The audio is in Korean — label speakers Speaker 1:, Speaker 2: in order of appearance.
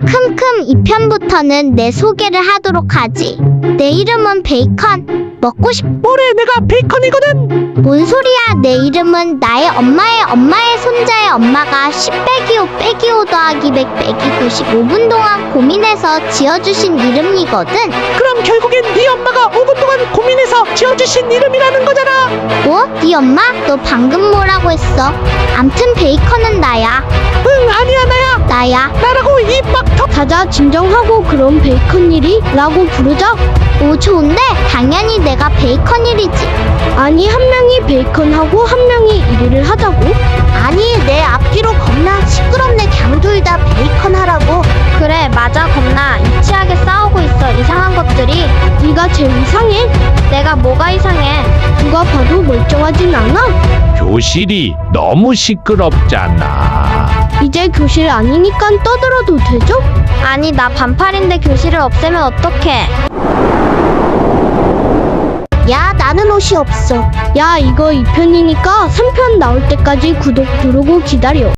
Speaker 1: 큼큼 2편부터는 내 소개를 하도록 하지. 내 이름은 베이컨. 먹고 싶...
Speaker 2: 뭐래, 내가 베이컨이거든.
Speaker 1: 뭔 소리야. 내 이름은 나의 엄마의 손자의 엄마가 10 빼기 5 빼기 5 더하기 100 빼기 95분 동안 고민해서 지어주신 이름이거든.
Speaker 2: 그럼 결국엔 네 엄마가 5분 동안 고민해서 지어주신 이름이라는 거잖아.
Speaker 1: 뭐? 네 엄마? 너 방금 뭐라고 했어? 암튼 베이컨은 나야.
Speaker 2: 응, 아니야,
Speaker 1: 나야.
Speaker 2: 나라고 입 막 턱.
Speaker 3: 자자, 진정하고 그럼 베이컨일이 라고 부르자.
Speaker 1: 오, 좋은데? 당연히 내가 베이컨일이지.
Speaker 3: 아니, 한 명이 베이컨하고 한 명이 1위를 하자고.
Speaker 1: 아니, 내 앞뒤로 겁나 시끄럽네. 갱 둘 다 베이컨 하라고.
Speaker 4: 그래, 맞아. 겁나 유치하게 싸우고 있어. 이상한 것들이.
Speaker 3: 네가 제일 이상해.
Speaker 4: 내가 뭐가 이상해?
Speaker 3: 누가 봐도 멀쩡하진 않아.
Speaker 5: 교실이 너무 시끄럽잖아.
Speaker 3: 이제 교실 아니니까 떠들어도 되죠?
Speaker 4: 아니, 나 반팔인데 교실을 없애면 어떡해?
Speaker 1: 야, 나는 옷이 없어.
Speaker 3: 야, 이거 2편이니까 3편 나올 때까지 구독 누르고 기다려.